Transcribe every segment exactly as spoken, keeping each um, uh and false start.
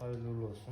Hayırlı uğurlu olsun.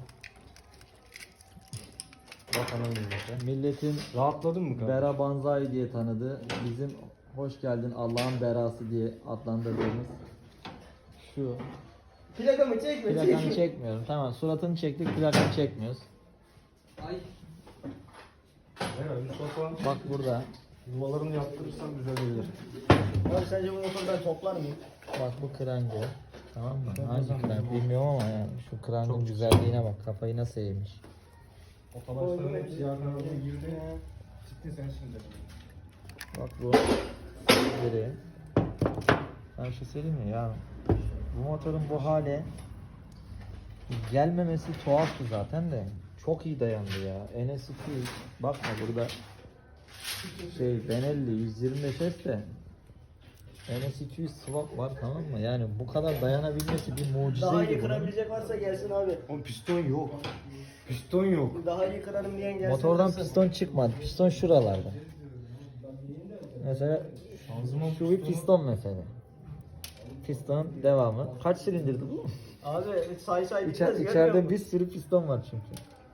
Bakalım millete. Milletin Rahatladın mı kardeşim? Bera Banzai diye tanıdığı, bizim hoş geldin Allah'ın berası diye adlandırdığımız şu. Plakamı çekme. Plakanı çekme. çekmiyorum. Tamam, suratını çektik, plakanı çekmiyoruz. Ay. Evet, Mustafa. Bak burada. Yuvalarını yaptırırsan güzel olur. Abi sence bu motoru ben toplar mıyım? Bak bu krango. Tamam mı? Şöyle Hangi zaman krango yok. bilmiyorum ama yani şu krangın güzelliğine bak. Kafayı nasıl eğmiş. Otobüslerin hepsi yardım girdi. Çıktın sen şimdi. Bak bu biri. Ben bir şey söyleyeyim mi ya? Bu motorun bu hale gelmemesi tuhaftı zaten de. Çok iyi dayandı ya. N S iki yüz. Bakma burada şey Benelli yüz yirmi beş S de N S iki yüz swap var, tamam mı? Yani bu kadar dayanabilmesi bir mucizeydi. Daha iyi bunun. kırabilecek varsa gelsin abi. Oğlum piston yok. Piston yok. Daha iyi kırarım diyen gelsin. Motordan kırsın. piston çıkmadı. Piston şuralarda. Mesela Şanzıman şu bir piston mesela. Pistonun devamı. Kaç silindirdi bu? Abi say say İçer, bitmez, görmüyor içeride musun? bir sürü piston var çünkü.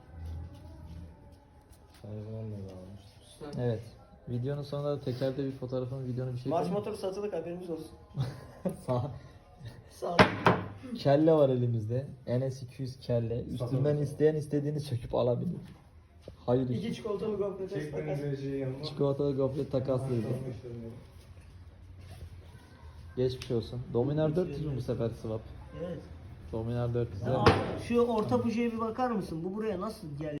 Şanzıman da bağlamıştır. Evet. Videonun sonunda da tekerde bir fotoğrafını, videonu bir şey Mars koyayım. motoru satılık haberimiz olsun. Sağ. Sağ ol. Kelle var elimizde. N S iki yüz kelle. Üstünden Satılır. isteyen istediğini söküp alabilir. Hayır. İki çikolatalı gofret takas. Çekmenize şey yanına. Çikolatalı gofret takaslıydı. Geçmiş olsun. Dominar dört yüz mü bu sefer swap? Evet. Dominar dört yüz. Ya abi, şu orta bujeye bir bakar mısın? Bu buraya nasıl geldi?